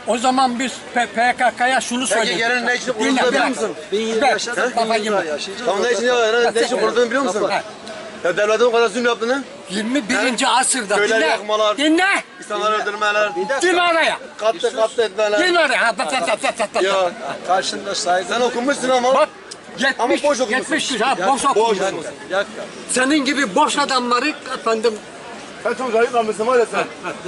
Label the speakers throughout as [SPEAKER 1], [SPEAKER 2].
[SPEAKER 1] O zaman biz PKK'ya şunu söyledik.
[SPEAKER 2] Peki yarın ne için kurulduğunu biliyor musun?
[SPEAKER 3] 1020 yaşadık, 1000 yıl yaşayacağız.
[SPEAKER 2] Tamam ne için ya? Ne için kurulduğunu biliyor musun? Ya devletin o kadar zulüm yaptığını,
[SPEAKER 1] 21. asırda
[SPEAKER 2] köyleri
[SPEAKER 1] dinle.
[SPEAKER 2] yakmalar,
[SPEAKER 1] Dinle.
[SPEAKER 2] insanları öldürmeler,
[SPEAKER 1] Girme araya.
[SPEAKER 2] katlı etmeler.
[SPEAKER 1] Girme araya.
[SPEAKER 2] Ya
[SPEAKER 3] Karşında saygı.
[SPEAKER 2] sen okumuşsun ama.
[SPEAKER 1] Bak
[SPEAKER 2] Ama
[SPEAKER 1] 70,
[SPEAKER 2] boş okumuşsun.
[SPEAKER 1] 70 ha boş
[SPEAKER 2] Boş
[SPEAKER 1] okumuşsun.
[SPEAKER 2] okumuşsun.
[SPEAKER 1] Senin gibi boş adamları efendim
[SPEAKER 2] Sen çok zayıf kalmışsın var ya sen.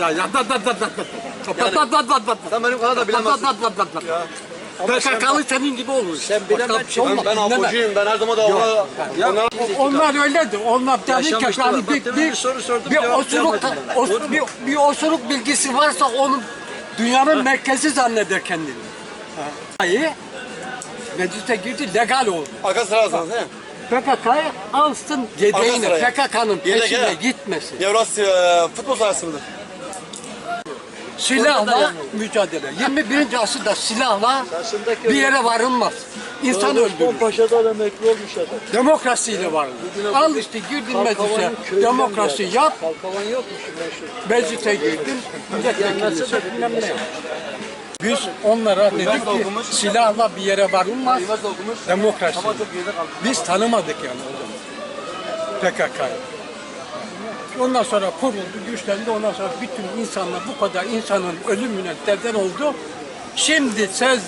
[SPEAKER 2] Sen benim kadar da bilemezsin.
[SPEAKER 1] PKK'lı senin gibi olur.
[SPEAKER 3] Sen bilemezsin.
[SPEAKER 2] Ben apocuyum, ben her zaman da ona...
[SPEAKER 1] Onlar öyledir. Onlar dedi ki
[SPEAKER 3] Yaşamıştılar.
[SPEAKER 1] yani
[SPEAKER 3] Bak, demin bir soru sordum,
[SPEAKER 1] bir
[SPEAKER 3] cevap
[SPEAKER 1] osuruk,
[SPEAKER 3] vermediler.
[SPEAKER 1] bir osuruk bilgisi varsa onun dünyanın merkezi zanneder kendini. Hayır. Meclise girdi, legal oldu.
[SPEAKER 2] Arka sırasınız he?
[SPEAKER 1] PKK'yı alsın yedeğine,
[SPEAKER 2] sıraya.
[SPEAKER 1] PKK'nın
[SPEAKER 2] Yedek,
[SPEAKER 1] peşine
[SPEAKER 2] he.
[SPEAKER 1] gitmesin.
[SPEAKER 2] Evrasya futbol sahası mıdır?
[SPEAKER 1] Silahla mücadele. 21. asırda silahla
[SPEAKER 3] Karşındaki
[SPEAKER 1] bir yere varılmaz. İnsan öldürür.
[SPEAKER 3] Paşa'da da emekli olmuş adam.
[SPEAKER 1] Demokrasiyle varılır. Al işte girdin meclise, demokrasi yap,
[SPEAKER 3] Kalkavan yokmuş meşhur.
[SPEAKER 1] meclise girdin, milletvekili seç, bilmem ne yap. Biz onlara dedik ki silahla bir yere varılmaz, demokrasi. Biz tanımadık yani o zaman PKK'yı. Ondan sonra kuruldu, güçlendi. Ondan sonra bütün insanlar bu kadar insanın ölümüne neden oldu. Şimdi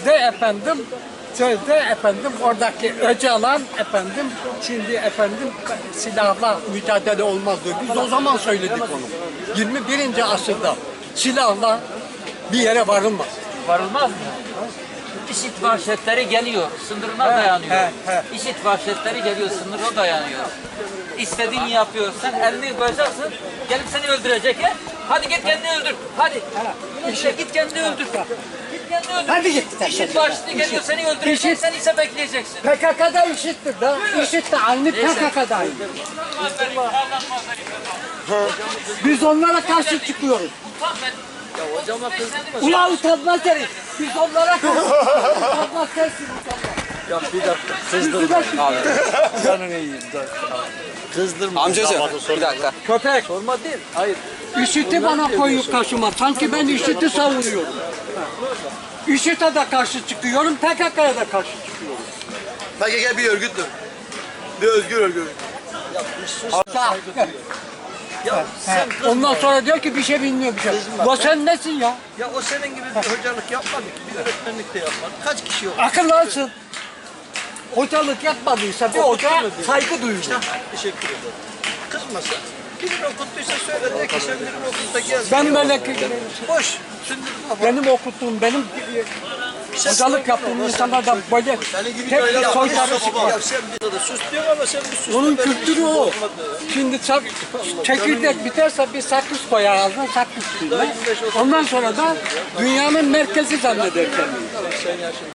[SPEAKER 1] sözde efendim oradaki Öcalan efendim şimdi efendim silahla mücadele olmaz diyor. Biz o zaman söyledik onu. 21. asırda silahla bir yere varılmaz.
[SPEAKER 4] Varılmaz mı? İşit vahşetleri geliyor, sınırına dayanıyor. İşit vahşetleri geliyor, sınırına dayanıyor. İstediğini yapıyorsan elini koyacaksın, gelip seni öldürecek he? Hadi git kendini öldür, hadi. İşte git kendini öldür. Git kendini öldür.
[SPEAKER 1] Hadi git.
[SPEAKER 4] İşit vahşeti geliyor, seni öldürecek, sen ise bekleyeceksin.
[SPEAKER 1] PKK'da işittir da. İşit de aynı PKK'da aynı. Biz onlara karşı çıkıyoruz.
[SPEAKER 3] Ya hocama kızdırma.
[SPEAKER 1] Ulan utanmaz herif. Biz onlara karşı utanmaz sensin utanmaz.
[SPEAKER 3] Ya bir dakika. Kızdırma. Abi. Canını yiyeyim. Kızdırma.
[SPEAKER 2] Amcacığım bir dakika.
[SPEAKER 1] Köpek.
[SPEAKER 3] Sorma değil. Hayır.
[SPEAKER 1] IŞİD'i bana koyup karşıma. Sanki ben IŞİD'i savunuyorum. IŞİD'e de karşı çıkıyorum, PKK'ya da karşı çıkıyorum.
[SPEAKER 2] PKK bir örgüttür. Bir özgür örgüt.
[SPEAKER 3] Ya bir sus. Ya sen kızma.
[SPEAKER 1] Ondan sonra diyor ki bir şey bilmiyor bir şey. Ya sen nesin ya?
[SPEAKER 3] Ya o senin gibi bir hocalık yapmadı ki. Bir öğretmenlik de yapmadı. Kaç kişi yok?
[SPEAKER 1] Akıllansın. Hocalık yapmadıysa bir hoca saygı duyuyor.
[SPEAKER 3] Teşekkür ederim. Kızmasa. Birini okuttuysa söyle de ki sen birini okut da gez.
[SPEAKER 1] Ben böyle
[SPEAKER 3] Boş. Sündürme.
[SPEAKER 1] benim okuttuğum, benim hocalık yaptığım insanlardan böyle tek soytarı çıkıyor.
[SPEAKER 3] Ya sen bir de sus diyor ama sen bir sus.
[SPEAKER 1] Onun
[SPEAKER 3] Ben
[SPEAKER 1] kültürü
[SPEAKER 3] bir
[SPEAKER 1] o.
[SPEAKER 3] olmadı.
[SPEAKER 1] Şimdi çekirdek biterse bir sakız koyar ağzına, sakız suyuna. Ondan sonra da dünyanın merkezi zanneder kendini.
[SPEAKER 3] Sen yaşın